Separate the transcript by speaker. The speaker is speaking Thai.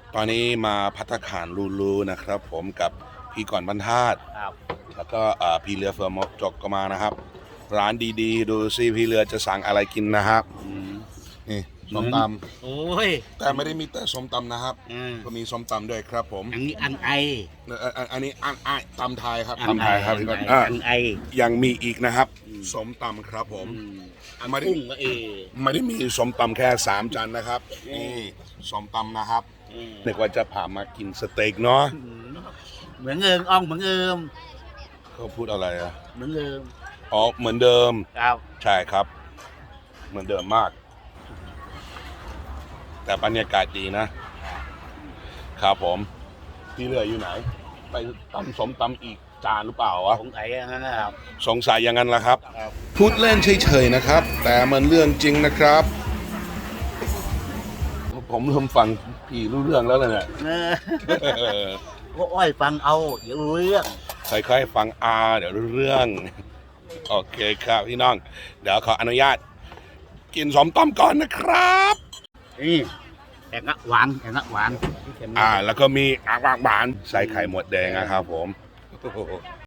Speaker 1: ตอนนี้มาภัตตาคารลูนะครับ ผมกับพี่ก่อนบรรทัด
Speaker 2: ครับ
Speaker 1: แล้วก็พี่เรือเฟือมกจกก็มานะครับ ร้านดีๆ ดูซิพี่เรือจะสั่งอะไรกินนะครับนี่ส้มต
Speaker 2: โอ้ย
Speaker 1: ำแต่ไม่ได้มีแต่ส้มตำนะครับ ก็มีส้มตำด้วยครับผม
Speaker 2: อันนี้อันไอ
Speaker 1: อันนี้ตำไทยครับ
Speaker 2: อัน
Speaker 1: ตำไทยครับ
Speaker 2: อันไอ
Speaker 1: ยังมีอีกนะครับส้มตำครับผม
Speaker 2: อัน
Speaker 1: ไม่ได้
Speaker 2: กุ้งก็
Speaker 1: ไม่ได้มีส้มตำแค่3 จานนะครับนี่ส้มตำนะครับนึกว่าจะพามากินสเต็กเนาะ
Speaker 2: เหมือนเอิมอ่องเหมือนเอิม
Speaker 1: เขาพูดอะไรอะ
Speaker 2: เหมือนเอิม
Speaker 1: อ๋อเหมือนเดิม
Speaker 2: ครับ
Speaker 1: ใช่ครับ เหมือนเดิมมาก แต่บรรยากาศดีนะครับผมที่เหลืออยู่ไหน ไปตำสมตำอีกจานหรือเปล่าวะ
Speaker 2: สงสัยอย่างนั้นนะครับ
Speaker 1: สงสัยอย่างนั้นละครับ
Speaker 2: ครับ
Speaker 1: พูดเล่นเฉยๆนะครับ แต่มันเรื่องจริงนะครับ ผมเริ่มฟังพี่รู้เรื่องแล้วเลยเนี่ย
Speaker 2: ก็อ้อยฟังเอาเดี๋ยวรู้เรื่อง
Speaker 1: ค่อยๆฟังเดี๋ยวรู้เรื่อง โอเคครับพี่น้อง เดี๋ยวขออนุญาต กินสมต้มก่อนนะครับ
Speaker 2: นี่แองะหวานแองะหวาน
Speaker 1: แล้วก็มีอ่างบางบานใส่ไข่หมดแดงนะครับผม